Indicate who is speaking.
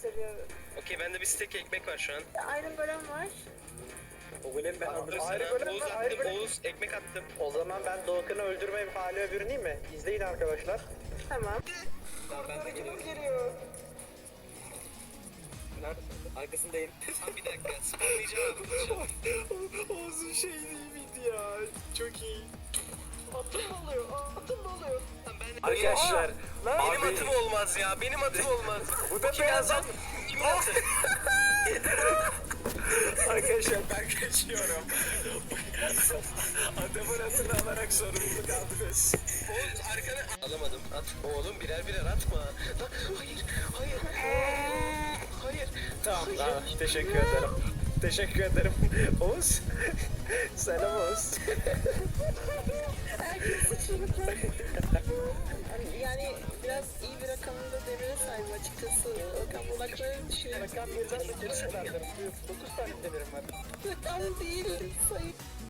Speaker 1: gösteriyor.
Speaker 2: Okey, bende bir stek ekmek var şu an.
Speaker 1: Iron Golem var.
Speaker 3: O golem ben
Speaker 2: Dur
Speaker 3: aldım.
Speaker 2: sana.
Speaker 3: Ayrı golem
Speaker 2: Oğuz
Speaker 3: var, ayrı
Speaker 2: attım.
Speaker 3: golem.
Speaker 2: Oğuz ekmek attım.
Speaker 3: O zaman ben Doğukan'ı öldürme halime bürüneyim mi? İzleyin arkadaşlar.
Speaker 1: Tamam.
Speaker 3: Tamam ben de
Speaker 1: Kim geliyor?
Speaker 3: Neredesin? Arkasındayım.
Speaker 2: Bir dakika. Spamlayacağım.
Speaker 3: Oğuz'un şey değil miydi ya? Çok iyi.
Speaker 1: Atım oluyor. Atım oluyor.
Speaker 3: Arkadaşlar.
Speaker 2: Benim atım olmaz ya. Benim atım olmaz.
Speaker 3: Bu da
Speaker 2: Kim
Speaker 3: beyaz
Speaker 2: yazan? Kimin atı?
Speaker 3: Arkadaşlar ben kaçıyorum. Adamın atını alarak sorumluluk aldınız.
Speaker 2: Oğuz arkana... Alamadım. At. Oğlum birer birer atma. Lan, hayır. Hayır. Hayır.
Speaker 3: Tamam, tamam. Teşekkür ederim. Teşekkür ederim. Oğuz. Selam Oğuz.
Speaker 1: Yani biraz iyi bir rakamında demire sahip açıkçası. Rakam bulaklarını düşünüyorum.
Speaker 3: Rakam birden de gerisi verdim. 9 tane demirim var.
Speaker 1: Rakam değil sayı.